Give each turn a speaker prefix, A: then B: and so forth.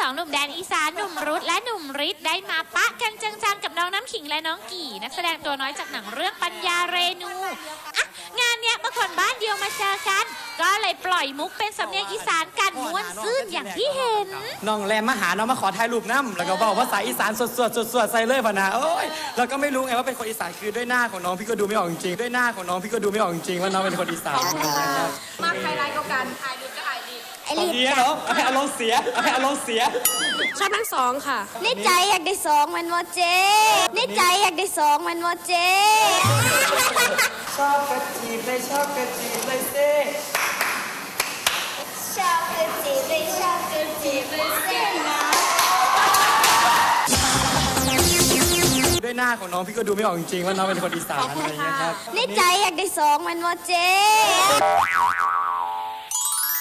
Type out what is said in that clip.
A: องหนุ่มแดนอีสานหนุ่มรุธและหนุ่มฤทธิ์ได้มาปะกันจังๆกับน้องน้ำขิงและน้องกี่นักแสดงตัวน้อยจากหนังเรื่องปัญญาเรนูอ่ะงานเนี้ยเมื่อคนบ้านเดียวมาเจอกันก็เลยปล่อยมุกเป็นสำเนียงอีสานกันม้วนซื่นอย่างที่เห็น
B: น้องแรมมาหาน้องมาขอถ่ายรูปน้ำแล้วก็บอกภาษาอีสานสดๆใส่เลยพะนะโอ้ยแล้วก็ไม่รู้ไงว่าเป็นคนอีสานคือด้วยหน้าของน้องพี่ก็ดูไม่ออกจริงๆด้วยหน้าของน้องพี่ก็ดูไม่ออกจริงๆว่าน้องเป็นคนอีสาน
C: มาใครไลน์ก็กันถ่ายดีก็ถ่ายดี
B: ไอ้ลีดเนาะให้อารมณ์เสียให้อารมณ์เสีย
C: ชอบทั้งสองค่ะ
D: ในใจอยากได้สองมันโมเจในใจอยากได้สองมันโมเจ
B: ชอบกระจีบเลยชอบกระจีบเลยเซ่
D: ชอบกระจีบเลยชอบกระจีบเลยเซ่นะ
B: ด้วยหน้าของน้องพี่ก็ดูไม่ออกจริงๆว่าน้องเป็นคนอีสานอะไรอย่างเงี้ยครับ
D: ในใจอยากได้สองมันโมเจ